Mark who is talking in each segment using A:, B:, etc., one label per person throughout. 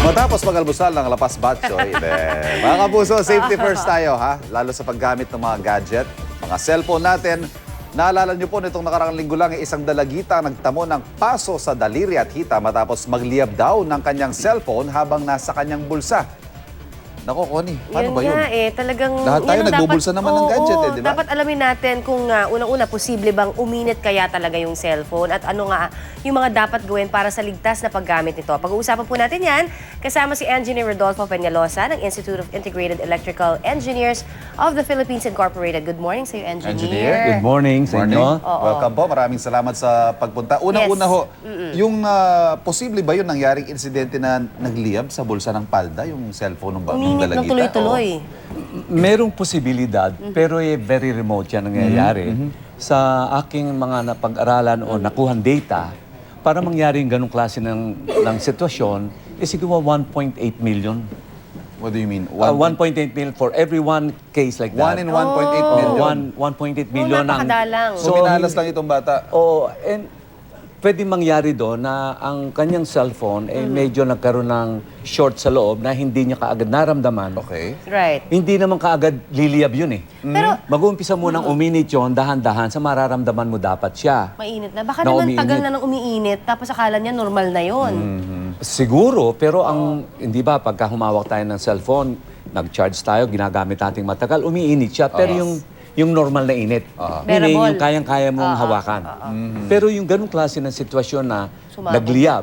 A: Matapos mag-almusal ng lapas batchoy, mga kapuso, safety first tayo ha. Lalo sa paggamit ng mga gadget, mga cellphone natin. Naalala niyo po nitong nakarang linggo lang, isang dalagita nagtamo ng paso sa daliri at hita matapos magliyab daw ng kanyang cellphone habang nasa kanyang bulsa. Nako, Connie, paano ba yun?
B: Nga talagang...
A: Lahat tayo nagbubulsa naman ng gadget di ba?
B: Dapat alamin natin kung unang-una, posible bang uminit kaya talaga yung cellphone at ano nga yung mga dapat gawin para sa ligtas na paggamit nito. Pag-uusapan po natin yan, kasama si Engineer Rodolfo Peñalosa ng Institute of Integrated Electrical Engineers of the Philippines Incorporated. Good morning sa iyo, Engineer.
C: Good morning sa inyo.
A: Welcome po. Maraming salamat sa pagpunta. Unang-una ho, yung posible ba yun nangyaring insidente na nagliyab sa bulsa ng palda, yung cellphone ng
B: Uminit ng tuloy-tuloy.
C: Merong posibilidad, pero very remote yan nangyayari. Sa aking mga napag-aralan o nakuhan data, para mangyari yung ganong klase ng sitwasyon, siguro 1.8 million.
A: What do you mean?
C: 1.8 million for every one case like that.
A: 1 in 1.8 million?
C: 1.8 million.
B: Napakadalang.
A: So, minalas lang itong bata?
C: And pwede mangyari doon na ang kanyang cellphone medyo nagkaroon ng short sa loob na hindi niya kaagad naramdaman.
A: Okay.
B: Right.
C: Hindi naman kaagad liliyab yun eh.
B: Pero,
C: Mag-uumpisa munang uminit yun, dahan-dahan, sa mararamdaman mo dapat siya.
B: mainit na. Baka
C: Na
B: naman
C: umiinit.
B: tagal na nang umiinit, tapos akala niya normal na yun.
C: Siguro, pero hindi ba, pagka humawak tayo ng cellphone, nag-charge tayo, ginagamit nating matagal, umiinit siya. Pero yung normal na init. Meaning,
B: Bearable.
C: yung kayang-kaya mong hawakan. Pero yung ganung klase ng sitwasyon na nagliyab,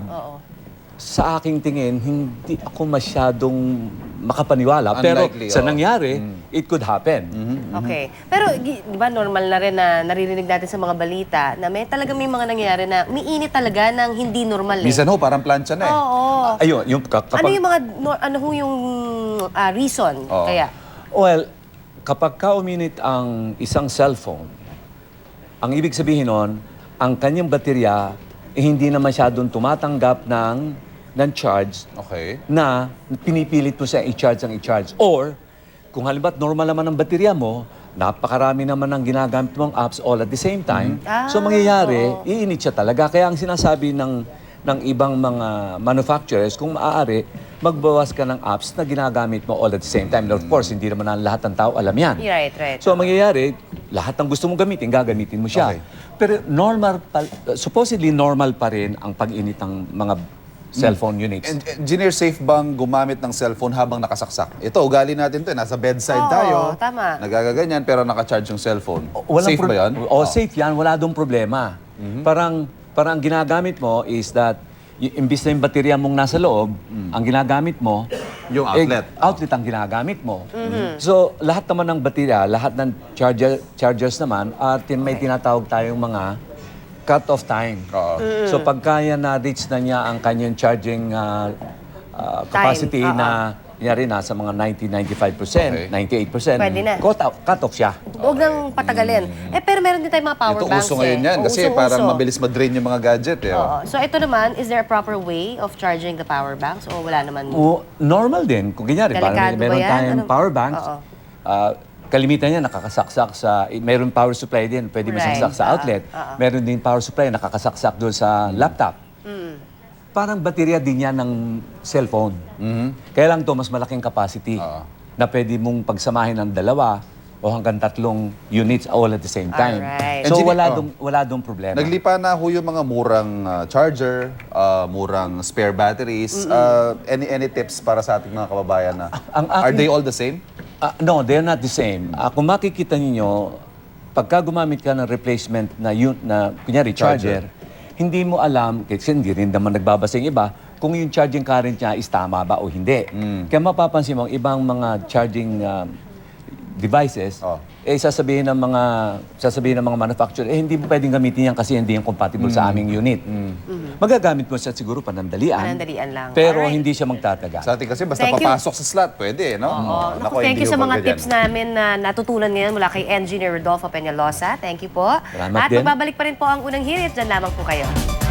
C: sa aking tingin, hindi ako masyadong makapaniwala. Pero
A: Unlikely,
C: sa nangyari, it could happen.
B: Okay. Pero di ba normal na rin na naririnig natin sa mga balita na may mga nangyayari na umiinit talaga ng hindi normal eh.
A: Minsan ho, parang plancha na eh.
B: Oo.
C: Ayun, yung kapag...
B: Ano yung mga, yung reason
A: Oo.
B: kaya?
C: Well, kapag ka uminit ang isang cellphone, ang ibig sabihin nun, ang kanyang baterya hindi na masyadong tumatanggap ng charge
A: Okay.
C: na pinipilit mo siya i-charge. Or, kung halimbawa normal naman ang baterya mo, napakarami naman ang ginagamit mong apps all at the same time. So, mangyayari, iinit siya talaga. Kaya ang sinasabi ng ibang mga manufacturers, kung maaari, magbawas ka ng apps na ginagamit mo all at the same time. Of course, hindi naman lahat ng tao alam yan.
B: Right.
C: So, ang mangyayari, lahat ng gusto mong gamitin, gagamitin mo siya.
A: Okay.
C: Pero supposedly normal pa rin ang pag-init ng mga cellphone units.
A: Engineer, safe bang gumamit ng cellphone habang nakasaksak? Ito, ugali natin to. Nasa bedside
B: Oo,
A: tayo.
B: tama.
A: Nagagaganyan pero nakacharge yung cellphone. Safe ba yan?
C: Safe yan. Wala dong problema. Parang ang ginagamit mo is that imbis na yung baterya mong nasa loob, ang ginagamit mo,
A: Yung outlet.
C: outlet ang ginagamit mo. So, lahat naman ng baterya, lahat ng chargers naman, may tinatawag tayong mga cut-off time. So, pagka yan na-reach na niya ang kanyang charging capacity na yari nasa mga 90-95%, 98%,
B: Pwede na.
C: cut off siya.
B: Huwag nang patagalin. Pero meron din tayong mga power
A: Ito
B: banks
A: uso ngayon yan kasi
B: Usong-uso.
A: parang mabilis ma-drain yung mga gadget eh.
B: Oo. So ito naman, is there a proper way of charging the power banks o wala naman?
C: Normal din. Kung ganyan,
B: Delikado ba
C: meron
B: yan?
C: tayong
B: Ano?
C: power banks.
B: Oo.
C: Kalimitan niya nakakasaksak sa... Meron power supply din, pwede masaksak sa outlet. Meron din power supply nakakasaksak doon sa laptop. Parang baterya din yan ng cellphone. Kaya lang to mas malaking capacity na pwede mong pagsamahin ng 2 o hanggang 3 units all at the same time.
B: Alright.
C: So
A: Engineer,
C: wala dong problema.
A: Naglipa na ho yung mga murang charger, murang spare batteries. Any tips para sa ating mga kababayan na are they all the same?
C: No, they're not the same. Kung makikita ninyo, pagka gumamit ka ng replacement na kunyari, charger, hindi mo alam, kasi hindi rin naman nagbabasa yung iba, kung yung charging current niya is tama ba o hindi. Kaya mapapansin mo, ang ibang mga charging devices, sasabihin ng mga manufacturer, hindi mo pwedeng gamitin yan kasi hindi yung compatible sa aming unit. Magagamit mo siya siguro panandalian.
B: Panandalian lang.
C: Pero
B: Alright.
C: hindi siya magtatagal.
A: Sa atin kasi basta
B: Thank you.
A: papasok sa slot, pwede, no?
B: Naku, thank you sa mga tips namin na natutunan ngayon mula kay Engineer Rodolfo Peñalosa. Thank you po.
C: Salamat
B: At
C: din.
B: magbabalik pa rin po ang unang hirit. Diyan lamang po kayo.